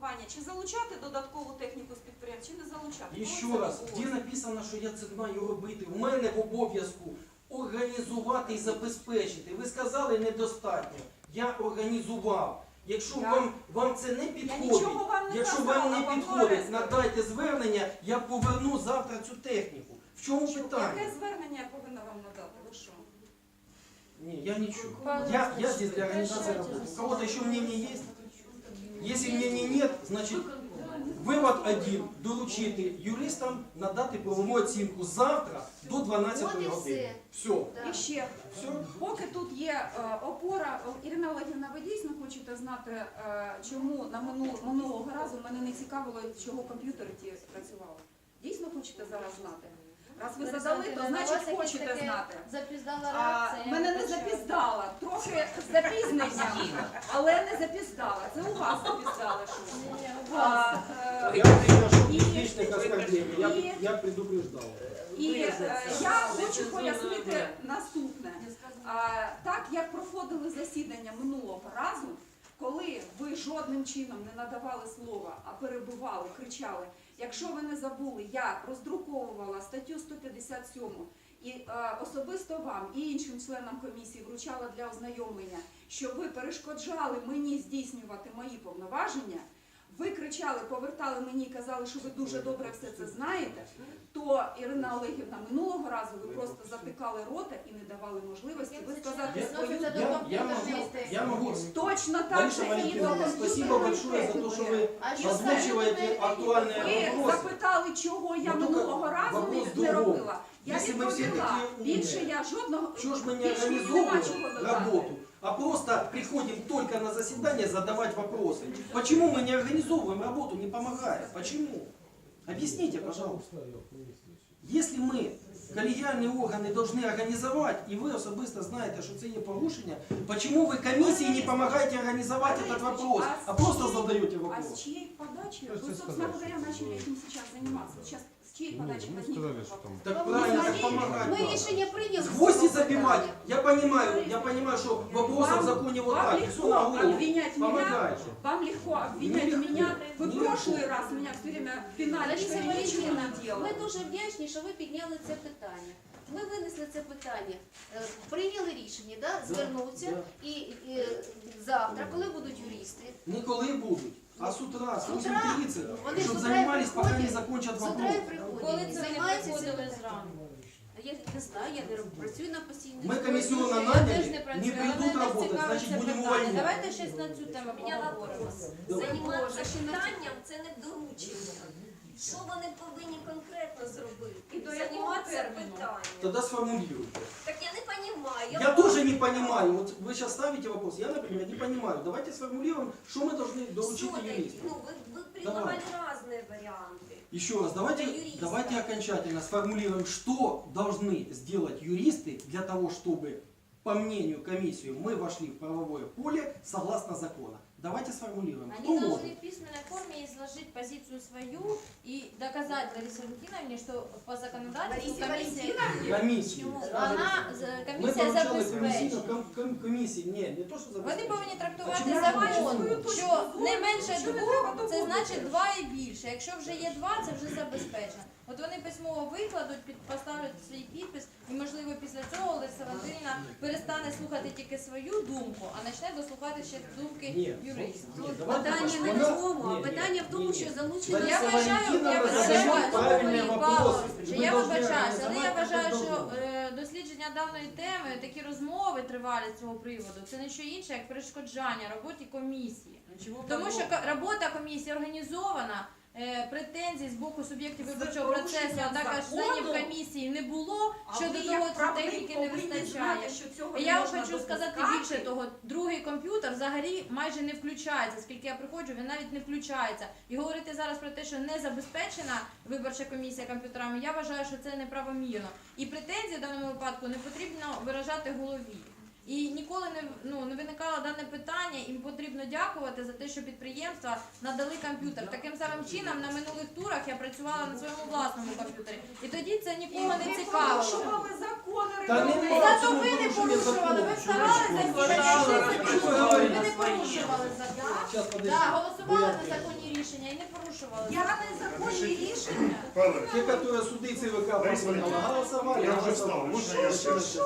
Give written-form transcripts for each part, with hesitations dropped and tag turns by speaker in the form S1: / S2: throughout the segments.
S1: компанія, чи залучати додаткову техніку з підприємств, чи не залучати?
S2: І ще раз, де написано, що я це маю робити? У мене в обов'язку організувати і забезпечити. Ви сказали недостатньо. Я організував. Якщо вам це не підходить, якщо вам не підходить, надайте звернення, я поверну завтра цю техніку. В чому питання?
S1: Яке звернення я повинна вам надати? Ви що?
S2: Не, я ничего. Я здесь для организации работы. У кого-то еще мнение есть? Если мнений нет, значит, вывод один. Доручити юристам надати правову оцінку завтра до 12 години. Все.
S1: І ще, поки тут є опора, Ірина Олегівна, ви дійсно хочете знати, чому на минулого разу мене не цікавило, чого комп'ютери ті працювали? Дійсно хочете зараз знати? Раз ви задали, то значить хочете знати.
S3: Запіздала реакція.
S1: Мене не запіздала, трохи з запізненням, але не запіздала. Це у вас запіздали щось.
S2: Я приношу личных оскорблений. Я предупреждал.
S1: І я хочу пояснити наступне. Так, як проходили засідання минулого разу, коли ви жодним чином не надавали слова, а перебивали, кричали, якщо ви не забули, я роздруковувала статтю 157 і особисто вам і іншим членам комісії вручала для ознайомлення, що ви перешкоджали мені здійснювати мої повноваження, ви кричали, повертали мені і казали, що ви дуже добре все це знаєте, то, Ірина Олегівна, минулого разу ви просто затикали рота і не давали можливості висказати свою
S2: Я могу.
S1: точно так же і до
S2: Спасибо большое за то, что вы озвучиваете актуальные
S1: Ви
S2: вопросы.
S1: запитали, чого я минулого разу не робила. Я відповіла. Більше я жодного...
S2: Чего ж мы не организовываем работу, а просто приходим только на заседание задавать вопросы? Почему мы не организовываем работу, не помогая? Почему? Объясните, пожалуйста. Если мы коллегиальные органы должны организовать, и вы особисто знаете, что це є порушення, почему вы комиссии не помогаете организовать этот вопрос, а просто задаете
S1: А
S2: вопрос?
S1: с чьей подачи? Вы, собственно говоря, начали этим сейчас заниматься. Сейчас с чьей подачи возник этот вопрос?
S2: Так правильно, так помогать
S3: Ми
S2: надо.
S3: рішення прийняли.
S2: Гвозди забивать. Я понимаю, что вопросов в законе вот
S1: Вам
S2: так.
S1: легко
S2: Все на голову.
S1: обвинять меня,
S2: Помогайте.
S1: вам легко обвинять
S2: Нелегко.
S1: меня. Вы в
S2: Нелегко.
S1: прошлый раз меня все время пинали, что
S3: Лариса
S1: я ничего
S3: Валентинівна,
S1: не делала.
S3: ми дуже вдячні, що ви підняли це питання. Ми винесли це питання, прийняли рішення, звернутися і завтра, коли будуть юристи,
S2: Не коли будуть, а з утра, з
S3: З утра.
S2: 8:30,
S3: Вони
S2: щоб
S3: з утра
S2: займались, поки не
S3: приходять.
S2: закончать
S3: з утра
S2: вопрос.
S3: і приходять,
S4: Коли це вони
S3: займаються
S4: приходили
S3: цим.
S4: зранку?
S3: Я не знаю, я не працюю на постійній
S2: Ми
S3: основі.
S2: комісіону
S4: Я теж
S2: наняли,
S4: не
S2: не
S4: працюю, але
S2: прийдуть
S4: мене
S2: работать,
S4: цікавить
S2: значить
S4: це
S2: будемо
S4: питання.
S2: увольняти.
S4: Давайте щось на цю тему поговоримо.
S5: Займатися питанням це не доручення. Що вони повинні конкретно зробити?
S1: І до якого
S5: Займатися
S1: терміну?
S5: питанням.
S2: Тогда сформулируйте.
S5: Так я не розумію.
S2: Я тоже не понимаю, вот вы сейчас ставите вопрос, я, например, не понимаю. Давайте сформулируем, что мы должны доучить юристам.
S5: Ну, ви предлагали різні варіанти.
S2: Еще раз, давайте,
S5: Для юриста.
S2: давайте окончательно сформулируем, что должны сделать юристы для того, чтобы, по мнению комиссии, мы вошли в правовое поле согласно закону. Давайте сформулируем, кто
S4: Они
S2: может.
S4: должны в письменной форме изложить позицию свою и доказать Ларисе Валентиновне, что по законодательству
S1: Ларисе
S4: комиссия,
S2: Комиссии.
S4: комиссия
S2: Мы поручали
S4: забезпечить.
S2: комиссии, не то, что
S4: Вони
S2: забезпечить.
S4: повинні трактувати
S2: А чому
S4: закон,
S2: ви
S4: що не менше
S1: Чому не
S4: двох,
S1: треба
S4: це значить
S1: доводити?
S4: 2 і більше. Якщо вже є 2, це вже забезпечено. От вони письмово викладуть, поставлять свій підпис, і можливо після цього Лариса Валентинівна перестане слухати тільки свою думку, а почне дослухати ще думки юристів.
S3: Питання не в тому, а питання в тому, що залучено...
S4: Я вважаю, але я вважаю, що дослідження даної теми, такі розмови тривалі з цього приводу, це не що інше, як перешкоджання роботі комісії. Тому що робота комісії організована, претензій з боку суб'єктів виборчого процесу, а також членів комісії не було, що до того техніки не вистачає. І я вам хочу сказати більше того, другий комп'ютер взагалі майже не включається, скільки я приходжу, він навіть не включається. І говорити зараз про те, що не забезпечена виборча комісія комп'ютерами, я вважаю, що це неправомірно. І претензії в даному випадку не потрібно виражати голові. І ніколи не виникало дане питання, їм потрібно дякувати за те, що підприємства надали комп'ютер. Таким самим чином на минулих турах я працювала на своєму власному комп'ютері. І тоді це нікого не цікавило.
S1: порушували закони,
S2: Та
S1: регламенти.
S2: нема.
S4: Зато ви не порушували, ви вставали за
S2: Що ви
S4: ви не
S2: говорите?
S4: порушували закон.
S2: Сейчас, подожди.
S4: Так, голосували за законні рішення. не порушували.
S1: Я незаконні рішення.
S6: Павло,
S2: Те, которые суды и ЦВК поменяла, голосовали.
S6: я уже встал,
S2: голосовали.
S6: можно я скажу?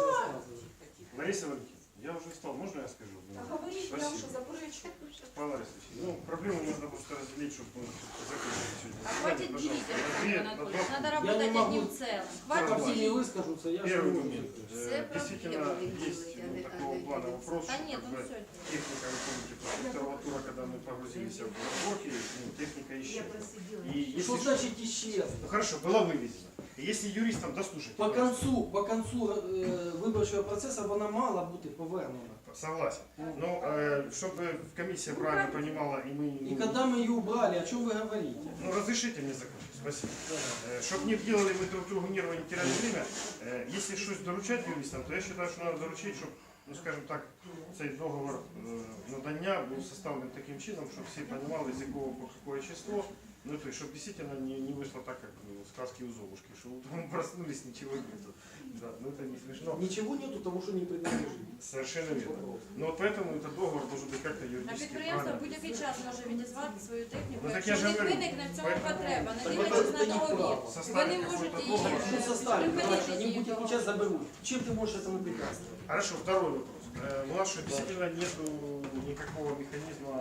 S6: Лариса Валентиновна, я уже встал, можно я скажу?
S1: Говоріть, я
S6: Спасибо.
S1: вже заперечую.
S6: Павел Борисович, ну, проблему нужно просто разделить, чтобы закончить сегодня.
S4: А хватит
S6: Пожалуйста,
S4: делить,
S6: на
S4: Александр
S6: две-
S4: Анатольевич.
S6: на два
S4: Надо
S2: Я
S4: работать
S2: не могу.
S4: одним целым.
S6: Давай.
S2: Как
S4: Хватит
S2: все не
S4: делить.
S2: выскажутся, я
S6: Первый
S2: же
S6: момент.
S3: Все
S6: Действительно,
S3: проблемы
S6: есть
S3: делать,
S6: такого плана вопрос,
S4: Да
S6: что
S4: нет,
S6: как
S4: ну
S6: бы
S4: все.
S6: техника, вы помните, консерватура, когда мы погрузились в разборки, ну, техника исчезла. И если
S2: Что значит исчез?
S6: Ну хорошо, была вывезена. И если юристам дослушать,
S2: По концу виборчого процесу вона мала бути повернена.
S6: согласен. Но чтобы комиссия правильно понимала, и мы...
S2: И когда мы ее убрали, о чем вы говорите?
S6: Ну, разрешите мне закончить, спасибо. Чтобы не делали мы друг другу нервы, не теряли время, если что-то доручать юристам, то я считаю, что надо доручить, чтобы, ну, скажем так, цей договор надання був составлений таким чином, щоб всі розуміли, з якого по какое число, ну, то есть, чтобы действительно не вышло так, как сказки у Золушки, что утром проснулись, ничего нету. Да, ну, это не смешно.
S2: Ничего нету того, что не принадлежит.
S6: Совершенно верно. Но вот поэтому этот договор должен быть как-то
S4: На
S6: юридически
S4: підприємство
S6: правильно.
S4: будь-який час може відізвати свою техніку,
S6: Ну, так
S4: якщо
S6: я ж
S4: в них
S6: говорю.
S4: виникне в цьому
S6: Поэтому-
S4: потреба, не
S6: Так
S4: дивлячись
S2: это
S4: на
S2: не
S4: договір.
S2: право.
S4: Вони можуть її
S2: Что составить?
S4: припинити
S2: Они
S4: дію
S2: будут
S4: договору.
S2: сейчас заберут. Чем ты можешь этому препятствовать?
S6: Хорошо, второй вопрос. У нас что, действительно нету никакого механизма,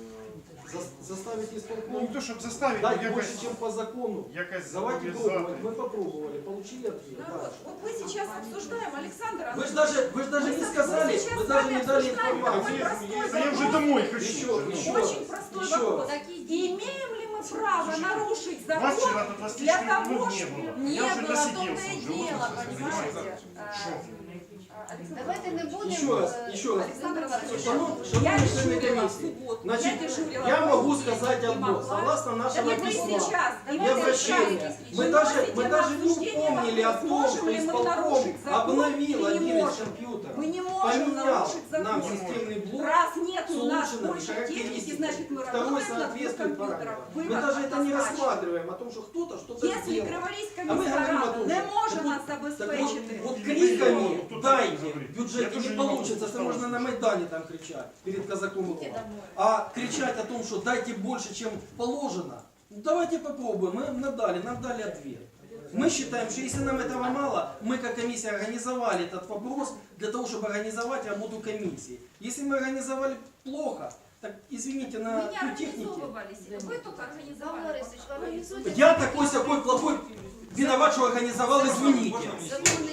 S2: Заставить
S6: ну не
S2: исполком
S6: то, чтобы заставить,
S2: дать
S6: но
S2: больше, чем по закону.
S6: якось
S2: Давайте
S6: зобов'язати.
S2: пробовать. Мы попробовали, получили ответ.
S1: Народ, вот мы сейчас обсуждаем, Александр
S2: Вы же
S1: Анатольевич,
S2: даже не сказали,
S1: сейчас
S2: вы
S1: с
S2: даже
S1: вами
S2: не дали
S1: обсуждаем такой
S2: информацию.
S1: простой
S6: Да я уже
S1: вопрос.
S6: домой хочу.
S2: Еще,
S6: уже, ну.
S2: еще.
S1: Очень простой
S2: Еще
S1: вопрос.
S2: раз.
S4: Такі
S1: Имеем ли мы право нарушить
S6: Вас
S1: закон
S6: вчера до 24
S1: для
S6: минут
S1: того,
S6: не
S1: чтобы...
S6: было.
S4: Не
S6: Я уже
S4: было, в том-то
S6: досиделся
S4: и
S6: уже.
S4: дело,
S6: Вот это
S1: Понимаете?
S6: Шо?
S3: Давайте не будемо.
S2: Еще раз, еще раз.
S1: Александр Анатольевич,
S2: Шановні
S1: я
S2: члени
S1: дежурила в
S2: комиссии,
S1: субботу,
S2: значит,
S1: я дежурила
S2: я
S1: в
S2: могу
S1: понедельник,
S2: сказать
S1: не
S2: одно.
S1: могла.
S2: Согласно нашего
S1: Так вы
S2: письма
S1: сейчас
S2: и
S1: давайте
S2: обращения,
S1: решайте.
S2: мы
S1: Выносите
S2: даже
S1: на
S2: не
S1: обсуждение
S2: упомнили о
S1: вопрос,
S2: том,
S1: можем
S2: что
S1: ли мы
S2: исполком
S1: нарушить закон
S2: обновил
S1: или не
S2: один из
S1: можем.
S2: компьютеров,
S1: Мы не можем
S2: поменял
S1: нарушить
S2: нам
S1: закон.
S2: системный блок
S1: Раз нет
S2: с
S1: у нас
S2: улучшенными
S1: больше техники,
S2: характеристиками.
S1: значит мы
S2: Второй
S1: работаем над двух
S2: соответствует
S1: компьютерах.
S2: параметрам. Мы
S1: Вывод
S2: даже это не
S1: однозначен.
S2: рассматриваем, о том, что кто-то что-то
S1: Если
S2: сделал.
S1: Криворізька
S2: А ми
S1: міська
S2: говоримо о
S1: рада
S2: том,
S1: не
S2: що
S1: може
S2: так
S1: нас
S2: от- так
S1: забезпечити,
S2: вот
S6: Не
S2: криками
S6: могу, тут
S2: дайте
S6: говорить.
S2: в
S6: Я
S2: бюджете
S6: тоже
S2: не
S6: не могу
S2: получится, это
S6: устал
S2: можно на
S6: уже.
S2: Майдане там кричать перед казаком и
S4: Идите
S2: Ломом.
S4: домой.
S2: А кричать о том, что дайте больше, чем положено, ну, давайте попробуем. Мы нам дали ответ. Мы считаем, что если нам этого мало, мы как комиссия организовали этот вопрос для того, чтобы организовать работу комиссии. Если мы организовали плохо, так извините, на
S1: мы не
S2: технике.
S1: организовывались, вы только
S3: Павло
S1: организовали.
S3: Борисович, організуйте.
S2: Я такой плохой виноват, что организовал, извините.
S3: Законний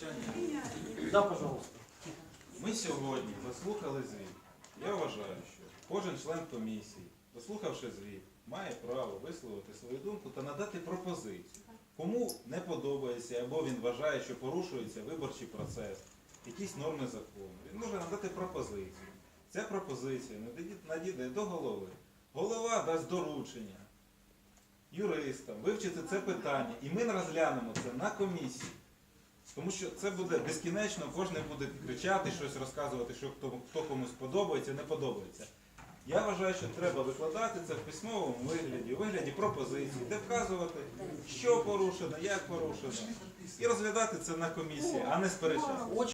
S2: Да, пожалуйста.
S7: Ми сьогодні заслухали звіт. Я вважаю, що кожен член комісії, заслухавши звіт, має право висловити свою думку та надати пропозицію. Кому не подобається або він вважає, що порушується виборчий процес, якісь норми закону, він може надати пропозицію. Ця пропозиція надійде до голови. Голова дасть доручення юристам вивчити це питання, і ми розглянемо це на комісії. Тому що це буде безкінечно, кожен буде кричати, щось розказувати, що хто комусь подобається, не подобається. Я вважаю, що треба викладати це в письмовому вигляді, у вигляді пропозиції, де вказувати, що порушено, як порушено, і розглядати це на комісії, а не сперечати.